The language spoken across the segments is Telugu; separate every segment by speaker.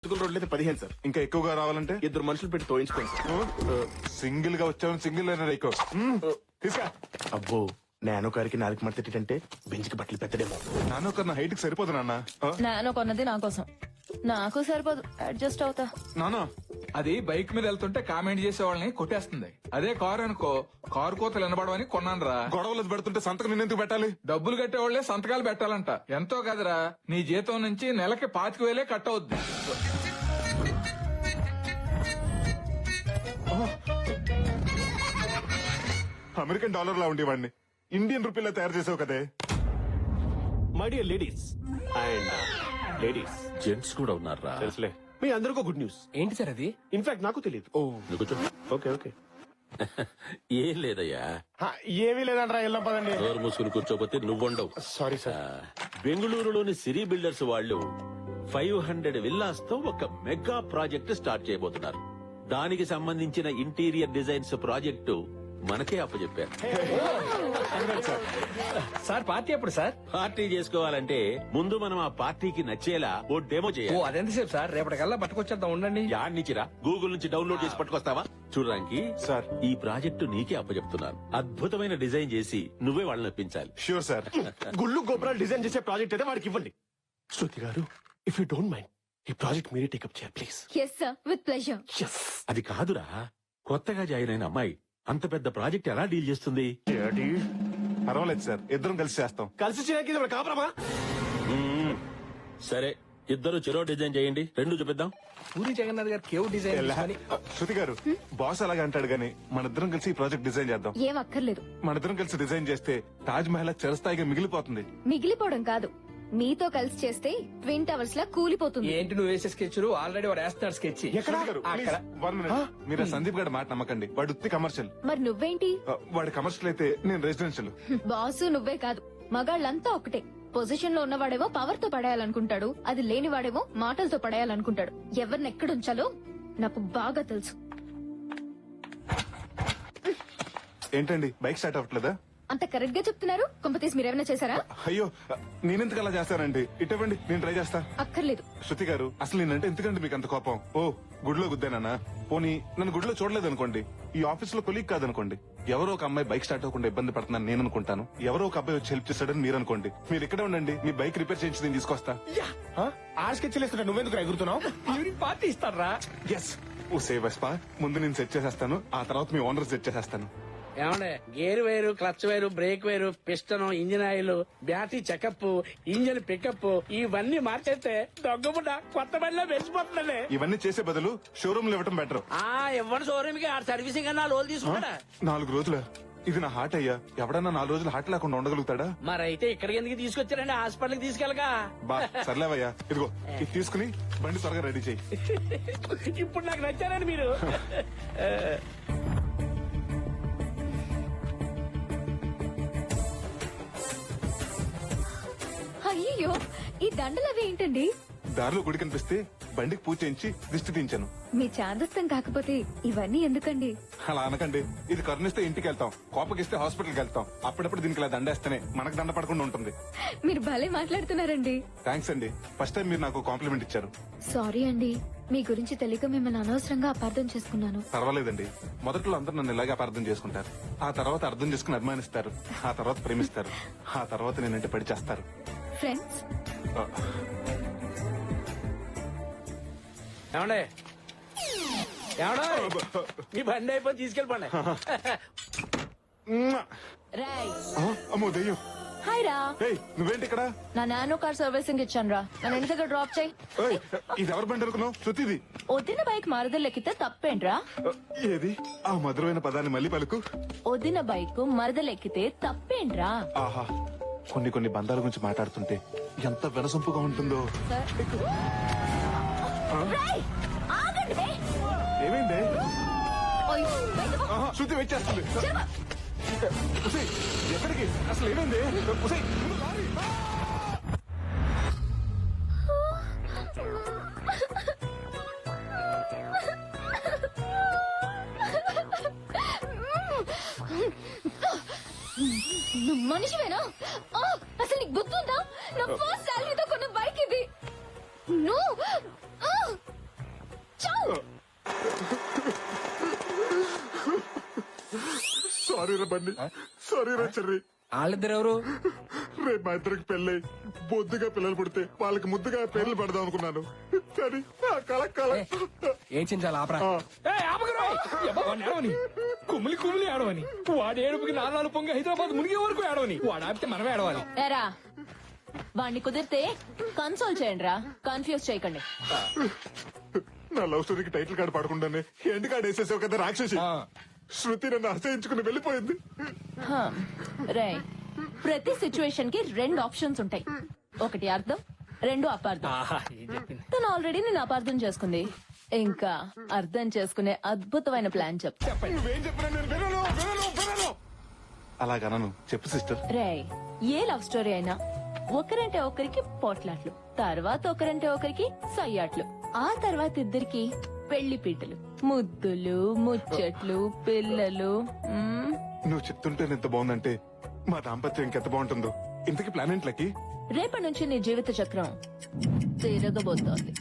Speaker 1: రోడ్లు అయితే 15 సార్.
Speaker 2: ఇంకా ఎక్కువగా రావాలంటే
Speaker 1: 2 మనుషులు పెట్టి తోయించుకోండి సార్.
Speaker 2: సింగిల్ గా వచ్చావు, సింగిల్ అయినా ఎక్కువ తీసుకా.
Speaker 1: అబ్బో నానో కారికి 4 మడతేటంటే బెంచ్కి బట్టలు పెట్టడేమో.
Speaker 2: నాన్న ఒక నా హైట్ కి సరిపోదు నాన్న.
Speaker 3: నాన్న కొన్నది నా కోసం, నాకు సరిపోదు, అడ్జస్ట్ అవుతా.
Speaker 2: నాన్న
Speaker 4: అది బైక్ మీద వెళ్తుంటే కామెంట్ చేసే వాళ్ళని కొట్టేస్తుంది. అదే కారు అనుకో, కారు కోతలు వినబడవని కొన్నాను రా.
Speaker 2: గొడవలు పెడుతుంటే సంతకం నిన్నెందుకు పెట్టాలి?
Speaker 4: డబ్బులు కట్టేవాళ్లే సంతకాలు పెట్టాలంట. ఎంతో కదరా, నీ జీతం నుంచి నెలకి 25,000 కట్ అవుద్ది.
Speaker 2: అమెరికన్ డాలర్ లా ఉండేవాడిని ఇండియన్ రూపీలా తయారు చేసావు కదే.
Speaker 1: My dear ladies and ladies
Speaker 5: gents కూడా ఉన్నారా?
Speaker 1: తెలుసులే. మీ అందరికీ గుడ్ న్యూస్.
Speaker 6: ఏంటి సార్ అది?
Speaker 1: ఇన్ఫాక్ట్ నాకు తెలియదు.
Speaker 5: నువ్వు కూర్చో.
Speaker 1: Okay okay.
Speaker 5: ఏం లేదయ్యా,
Speaker 1: ఏమీ లేదంటారా, వెళ్ళాం పదండి.
Speaker 5: డోర్ మూసుకుని కూర్చోపోతే నువ్వుండవు.
Speaker 1: Sorry sir.
Speaker 5: బెంగళూరులోని సిరీ బిల్డర్స్ వాళ్ళు 500 విల్లాస్ తో ఒక మెగా ప్రాజెక్ట్ స్టార్ట్ చేయబోతున్నారు. దానికి సంబంధించిన ఇంటీరియర్ డిజైన్స్ ప్రాజెక్టు మనకే అప్పచెప్పారు.
Speaker 6: సార్ పార్టీ ఎప్పుడు సార్?
Speaker 5: పార్టీ చేసుకోవాలంటే ముందు మనం ఆ పార్టీకి నచ్చేలా ఓ డెమో
Speaker 6: ఓ
Speaker 5: చేయాలి.
Speaker 6: అదెంతసేపు సార్? రేపటికల్లా పట్టుకొచ్చేద్దాం, ఉండండి.
Speaker 5: యాడ్ నుంచిరా, గూగుల్ నుంచి డౌన్లోడ్ చేసి పట్టుకొస్తావా? చూడడానికి
Speaker 2: సార్.
Speaker 5: ఈ ప్రాజెక్టు నీకే అప్పచెప్తున్నాను. అద్భుతమైన డిజైన్ చేసి నువ్వే వాళ్ళని ఒప్పించాలి.
Speaker 2: Sure sir.
Speaker 1: గుళ్ళు గోపురాలు డిజైన్ చేసే ప్రాజెక్ట్ అయితే వాడికి ఇవ్వండి. Shruti garu, if you don't mind ఈ ప్రాజెక్ట్ మీరే టేకప్ చేయాలి please.
Speaker 3: Yes sir, with pleasure.
Speaker 5: అది కాదురా, కొత్తగా జాయిన్ అయిన అమ్మాయి అంత పెద్ద ప్రాజెక్ట్ ఎలా డీల్ చేస్తుంది?
Speaker 2: పర్వాలేదు సార్, ఇద్దరం కలిసి చేస్తాం.
Speaker 1: కలిసి చేయడానికి ఇది కాపురమా?
Speaker 5: సరే, ఇద్దరు చెరో డిజైన్ చేయండి, 2 చూపిద్దాం.
Speaker 6: పూరి జగన్నాథ్ గారు కేవ్ డిజైన్ తీసుకొని
Speaker 2: శృతి గారు, బాస్ అలాగే అంటాడు గానీ మన ఇద్దరం కలిసి ఈ ప్రాజెక్ట్ డిజైన్ చేద్దాం.
Speaker 3: ఏం అక్కర్లేదు.
Speaker 2: మన ఇద్దరం కలిసి డిజైన్ చేస్తే తాజ్ మహల్ చిరస్థాయిగా మిగిలిపోతుంది.
Speaker 3: మిగిలిపోవడం కాదు, మీతో కలిసి చేస్తే ట్విన్ టవర్స్ లా కూలిపోతుంది.
Speaker 6: ఏంటి నువ్వు వేసే స్కెచ్? ఆల్రెడీ వాడు వేస్తున్నాడు స్కెచ్.
Speaker 2: శృతి గారు,
Speaker 6: అక్కడ.
Speaker 2: please, 1 minute. మీరు ఆ సందీప్ గారి మాట నమ్మకండి, వాడు ఉత్తి కమర్షియల్.
Speaker 3: మరి నువ్వేంటి?
Speaker 2: వాడి కమర్షియల్ అయితే నేను రెసిడెన్షియల్.
Speaker 3: బాసు నువ్వే కాదు, మగాళ్ళంతా ఒకటే. పొజిషన్ లో ఉన్నవాడేమో పవర్ తో పడేయాలనుకుంటాడు, అది లేనివాడేమో మాటలతో పడేయాలనుకుంటాడు. ఎవరిని ఎక్కడుంచాలో నాకు బాగా తెలుసు.
Speaker 2: ఏంటండి బైక్ స్టార్ట్ అవ్వట్లేదా?
Speaker 3: అంత కరెక్ట్ గా చెప్తున్నారు. కొంపతీసి మీరేమైనా చేశారా?
Speaker 2: అయ్యో, నేనెందుకు అలా చేస్తానండి? ఇటువంటి నేను ట్రై చేస్తా.
Speaker 3: అక్కర్లేదు.
Speaker 2: శృతి గారు, అసలు నేనంటే ఎందుకండి మీకు అంత కోపం? ఓ గుడిలో గుద్దానా? పోనీ నన్ను గుడిలో చూడలేదు అనుకోండి, ఈ ఆఫీస్ లో కొలీగ్ కాదనుకోండి, ఎవరో ఒక అమ్మాయి బైక్ స్టార్ట్ అవ్వకుండా ఇబ్బంది పడుతున్నాను నేను అనుకుంటాను. ఎవరో ఒక అబ్బాయి వచ్చి హెల్ప్ చేస్తాడని మీరు అనుకోండి. మీరు ఇక్కడే ఉండండి, మీ బైక్ రిపేర్ చేయించి నేను తీసుకొస్తా.
Speaker 1: ఆశకెచ్చలేస్తున్నా, నువ్వెందుకు ఎగురుతున్నావు?
Speaker 6: ఈవినింగ్ పార్టీ ఇస్తారా?
Speaker 2: ఎస్, ఓ సేవ్ వెస్పా. ముందు నేను సెట్ చేసేస్తాను, ఆ తర్వాత మీ ఓనర్ సెట్ చేసేస్తాను.
Speaker 7: ఏమండే, గేర్ వేరు, క్లచ్ వేరు, బ్రేక్ వేరు, piston, engine oil, battery checkup, engine pickup ఇవన్నీ మార్చేస్తే దొంగముడ్డ కొత్త బండిలో వెలిసిపోతుందండి.
Speaker 2: ఇవన్నీ చేసే బదులు షోరూమ్ లో ఇవ్వటం బెటర్.
Speaker 7: ఇవ్వండి షోరూమ్ కి, ఆ సర్వీసింగ్ అన్నా లోన్ తీసుకుంటాడా?
Speaker 2: 4 రోజుల ఇది నా హార్ట్ అయ్యా. ఎవడన్నా 4 రోజులు హార్ట్ లేకుండా ఉండగలుగుతాడా?
Speaker 7: మరైతే ఇక్కడికి ఎందుకు తీసుకొచ్చారండి? హాస్పిటల్ కి తీసుకెళ్ళగా.
Speaker 2: బా సర్లేవయ్యా, ఇదిగో ఇది తీసుకుని బండి త్వరగా రెడీ చేయి.
Speaker 7: ఇప్పుడు నాకు నచ్చారండి మీరు.
Speaker 3: అయ్యో, ఈ దండలు అవి ఏంటండి?
Speaker 2: దారిలో గుడి కనిపిస్తే బండికి పూజ చేయించి దిష్టి తీయించాను.
Speaker 3: మీ చాదస్తం కాకపోతే ఇవన్నీ ఎందుకండి?
Speaker 2: అలా అనకండి, ఇది కరుణిస్తే ఇంటికి వెళ్తాం, కోపగిస్తే హాస్పిటల్కి వెళ్తాం. అప్పుడప్పుడు దీనికి ఇలా దండేస్తేనే మనకు దండ పడకుండా ఉంటుంది.
Speaker 3: మీరు భలే మాట్లాడుతున్నారండి.
Speaker 2: థ్యాంక్స్ అండి, ఫస్ట్ టైం మీరు నాకు కాంప్లిమెంట్ ఇచ్చారు.
Speaker 3: సారీ అండి, మీ గురించి తెలియక మిమ్మల్ని అనవసరంగా అపార్థం చేసుకున్నాను.
Speaker 2: పర్వాలేదండి, మొదట్లో అందరూ నన్ను ఇలాగే అపార్థం చేసుకుంటారు, ఆ తర్వాత అర్థం చేసుకుని అభిమానిస్తారు, ఆ తర్వాత ప్రేమిస్తారు, ఆ తర్వాత నేనంటే పడి చేస్తారు.
Speaker 3: ఫ్రెండ్స్,
Speaker 7: ఏమండే ఏమండే, మీ బండి అయిపోయి తీసుకెళ్ళిపోండి.
Speaker 2: అమ్మో దెయ్యం.
Speaker 3: హాయ్ రా.
Speaker 2: ఏయ్, నువ్వేంటి ఇక్కడ?
Speaker 3: నా నానో కార్ సర్వీసింగ్ ఇచ్చాను రా, నన్ను ఇంటి దగ్గర డ్రాప్ చేయి.
Speaker 2: ఏయ్, ఇది ఎవరి బండి అనుకున్నావు? శృతిది.
Speaker 3: వదిన బైక్ మరదలెక్కితే తప్పేంట్రా?
Speaker 2: ఏది ఆ మధురమైన పదాన్ని మళ్ళీ పలుకు.
Speaker 3: వదిన బైక్ మరదలెక్కితే తప్పేంట్రా?
Speaker 2: ఆహా, కొన్ని బంధాల గురించి మాట్లాడుతుంటే ఎంత వినసొంపుగా ఉంటుందో.
Speaker 3: రేయ్, ఆగండి బే.
Speaker 2: ఏమైంది?
Speaker 3: ఓయ్, బయటకు పో.
Speaker 2: ఆహా, శృతి వెయిట్ చేస్తుంది.
Speaker 3: చెప్ప.
Speaker 2: ఉసేయ్, ఎక్కడికి? అసలు ఏమైంది? ఉసేయ్, ముందు లారీ.
Speaker 3: నువ్వు మనిషివేనా? అసలు నీకు గుర్తుందా? నా ఫస్ట్ శాలరీతో కొన్న బైక్ ఇది. నువ్వు
Speaker 2: సారీ రా బండి, సారీ రా చెర్రి.
Speaker 6: వాళ్ళిద్దరు ఎవరు?
Speaker 2: రేపు మా ఇద్దరికి పెళ్ళై బొద్దుగా పిల్లలు పుడితే వాళ్ళకి ముద్దుగా పేర్లు పెడదాం అనుకున్నాను. కానీ ఆ కల కల
Speaker 6: ఏం చించాలి ఆపరా. ఏయ్, ఆపకురా. ఎబ్బా, వాడిని ఏడవని. కుమిలి కుమిలి ఏడవని. వాడి ఏడుపుకి నాలుగు పొంగి హైదరాబాద్ మునిగే వరకు ఏడవని. వాడు ఆపితే మనమే ఏడవాలి.
Speaker 8: ఎరా వాణ్ణి కుదిరితే కన్సోల్ చేయండి రా, కన్ఫ్యూజ్ చేయకండి.
Speaker 2: నా లవ్ స్టోరీకి టైటిల్ కార్డు పడకుండానే ఎండ్ కార్డు వేసేసావు కదా రాక్షసి. శృతి నన్ను అసహించుకుని వెళ్ళిపోయింది.
Speaker 8: రే ప్రతి సిచ్యువేషన్ కి 2 ఆప్షన్స్ ఉంటాయి. ఒకటి అర్థం, 2 అపార్థం.
Speaker 6: ఆహా, ఏం చెప్పింది.
Speaker 8: తను ఆల్రెడీ నేను అపార్థం చేసుకుంది. ఇంకా అర్థం చేసుకునే అద్భుతమైన ప్లాన్ చెప్తా.
Speaker 2: నువ్వేం చెప్పినా నేను వినను, వినను, వినను. అలాగనను, చెప్పు సిస్టర్.
Speaker 8: రే ఏ లవ్ స్టోరీ అయినా ఒకరంటే ఒకరికి పోట్లాట్లు, తర్వాత ఒకరంటే ఒకరికి సయ్యాట్లు, ఆ తర్వాత ఇద్దరికి పెళ్లి పీటలు, ముద్దులు, ముచ్చట్లు, పిల్లలు.
Speaker 2: నువ్వు చెప్తుంటే ఎంత బాగుందంటే మా దాంపత్యం ఇంకెంత బాగుంటుందో. ఇంతకీ ప్లాన్ ఏంట్లకి?
Speaker 8: రేపటి నుంచి నీ జీవిత చక్రం తిరగబోతోంది.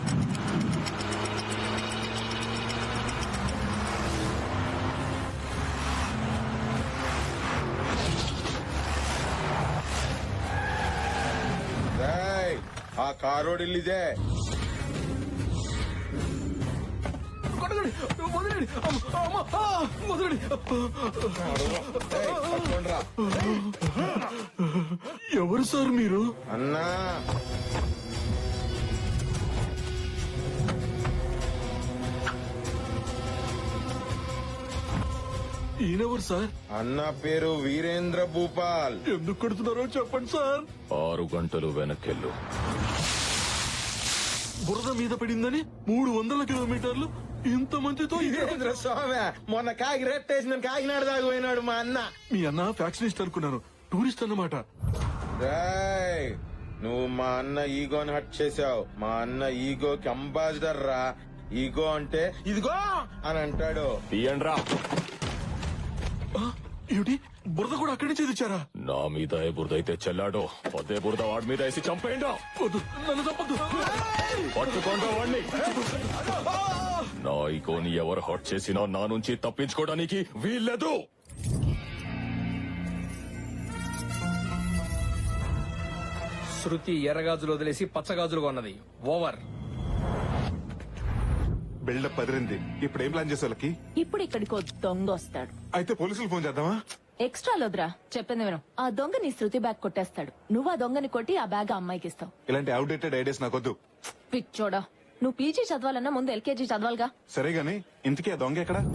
Speaker 9: ఆ కారోడు ఇల్లిదే.
Speaker 4: కొట్టకండి, వదిలేండి. అమ్మ, ఆ, వదిలేండి.
Speaker 9: పట్టుకోండిరా.
Speaker 1: ఎవరు సార్ మీరు?
Speaker 9: అన్నా
Speaker 1: ఈయనెవరు సార్?
Speaker 9: అన్న పేరు వీరేంద్ర భూపాల్.
Speaker 1: ఎందుకు కొడుతున్నారో చెప్పండి సార్.
Speaker 10: 6 గంటలు వెనకెళ్ళు.
Speaker 1: బురద మీద పడిందని 300 కిలోమీటర్లు ఇంత మందితో
Speaker 9: వీరేంద్ర స్వామి మొన్న కాకి రెట్టేసిన కాకినాడ దాకా పోయినాడు మా అన్న.
Speaker 1: మీ అన్న ఫ్యాక్షనిస్ట్ అనుకున్నాను, టూరిస్ట్ అన్నమాట.
Speaker 9: రేయ్, నువ్వు మా అన్న ఈగోని హట్ చేసావు. మా అన్న ఈగోకి అంబాసిడర్ రా. ఈగో అంటే ఇదిగో అని అంటాడు.
Speaker 10: తీయండ్రా.
Speaker 1: ఏమిటి, బురద కూడా అక్కడి నుంచి తెచ్చారా?
Speaker 10: నా మీద ఏ బురద అయితే చెల్లాడో అదే బురద వాడి మీద వేసి చంపేయండా.
Speaker 1: వద్దు, నన్ను తప్పదు.
Speaker 10: పట్టుకోండి వాడిని. నా ఈగోని ఎవరు హట్ చేసినా నా నుంచి తప్పించుకోవడానికి వీల్లేదు.
Speaker 6: శృతి ఎర్రగాజులు వదిలేసి పచ్చగాజులు కొన్నది. ఓవర్.
Speaker 2: బిల్డప్ అదిరింది. ఇప్పుడు ఏం ప్లాన్ చేసే?
Speaker 8: ఇప్పుడు ఇక్కడికి ఓ దొంగ వస్తాడు.
Speaker 2: అయితే పోలీసులు ఫోన్ చేద్దామా?
Speaker 8: ఎక్స్ట్రా లోద్రా, చెప్పింది విను. ఆ దొంగ నీ శృతి బ్యాగ్ కొట్టేస్తాడు. నువ్వు ఆ దొంగని కొట్టి ఆ బ్యాగ్ ఆ అమ్మాయికి ఇస్తావు.
Speaker 2: ఇలాంటి అవుట్డేటెడ్ ఐడియాస్ నాకొద్దు.
Speaker 8: పిచ్చోడా, నువ్వు పీజీ చదవాలన్నా ముందు ఎల్కేజీ చదవాలిగా.
Speaker 2: సరే గాని ఇంతకీ ఆ దొంగ ఎక్కడ?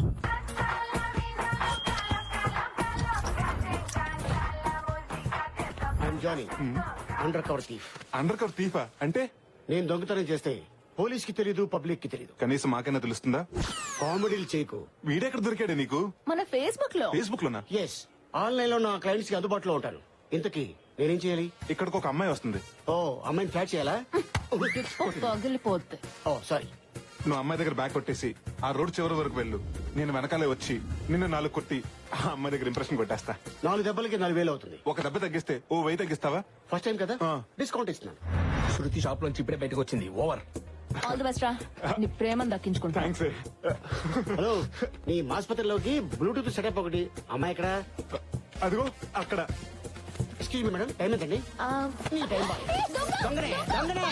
Speaker 11: Johnny, under cover thief.
Speaker 2: Under cover థీఫా అంటే?
Speaker 11: నేను దొంగతనం చేస్తే పోలీస్ కి తెలీదు, పబ్లిక్ కి తెలీదు.
Speaker 2: కనీసం మాకైనా తెలుస్తుందా?
Speaker 11: కామెడీలు చేయకు.
Speaker 2: వీడెక్కడ దొరికాడే నీకు?
Speaker 8: మన ఫేస్బుక్ లో.
Speaker 2: ఫేస్బుక్ లోనా?
Speaker 11: ఎస్, ఆన్లైన్ లో నా క్లయింట్స్ కి అందుబాటులో ఉంటాను. ఇంతకీ నేనేం చేయాలి?
Speaker 2: ఇక్కడికి ఒక అమ్మాయి వస్తుంది.
Speaker 11: ఓ, అమ్మాయిని ఫ్లాట్ చేయాలా?
Speaker 8: పగిలిపోద్ది.
Speaker 11: Oh sorry.
Speaker 2: నువ్వు అమ్మాయి దగ్గర బ్యాగ్ కొట్టేసి ఆ రోడ్ చివరి వరకు వెళ్ళు. నేను వెనకాలే వచ్చి నిన్ను 4 కొట్టి ఆ అమ్మాయి దగ్గర ఇంప్రెషన్ కొట్టేస్తా.
Speaker 11: 4 దెబ్బలకి 4,000 అవుతుంది.
Speaker 2: ఒక దెబ్బ తగ్గిస్తే ఓ 1000 తగ్గిస్తావా?
Speaker 11: ఫస్ట్ టైం కదా,
Speaker 2: ఆ.
Speaker 11: డిస్కౌంట్ ఇస్తున్నాను.
Speaker 6: శృతి షాప్ లోంచి ఇప్పుడే బయటకు వచ్చింది. ఓవర్.
Speaker 8: ఆల్ ది బెస్ట్ రా, నీ ప్రేమను దక్కించుకుంటా.
Speaker 2: థ్యాంక్స్.
Speaker 11: హలో, నీ ఆసుపత్రిలోకి బ్లూటూత్ సెటప్ ఒకటి. అమ్మాయి ఎక్కడ?
Speaker 2: అదిగో అక్కడ.
Speaker 11: ఎక్స్క్యూజ్ మీ మేడం, టైం ఎంతండి? నీ టైం బాయ్. దొంగనే, దొంగనే.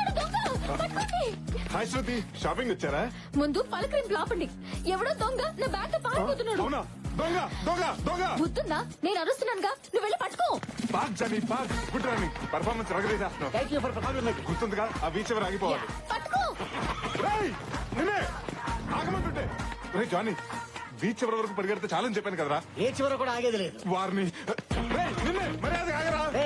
Speaker 2: హాయ్ శృతి, షాపింగ్ వచ్చారా?
Speaker 3: ముందు పలకరింపు ఆపండి. ఎవడో దొంగ నా బ్యాగ్ పారిపోతున్నాడు.
Speaker 2: అవునా? దొంగ దొంగ దొంగ!
Speaker 3: బుద్ధుందా? నేను అరుస్తున్నానుగా, నువ్వు వెళ్ళి పట్టుకో.
Speaker 2: Park Johnny park. Good running. Performance రగరేసేస్తున్నావు.
Speaker 11: Thank you for compliment.
Speaker 2: గుర్తుందిగా ఆ బీచ్ ఎవరు ఆగిపోవాలి.
Speaker 3: పట్టుకో.
Speaker 2: రేయ్, నిన్నే ఆగమంటుంటే. రే జానీ, బీచ్ చివరి వరకు పరిగెడితే చాలని చెప్పాను కదరా.
Speaker 11: ఏ చివర కూడా ఆగేది లేదు.
Speaker 2: వారిని రేయ్, నిన్నే మర్యాద ఆగరా.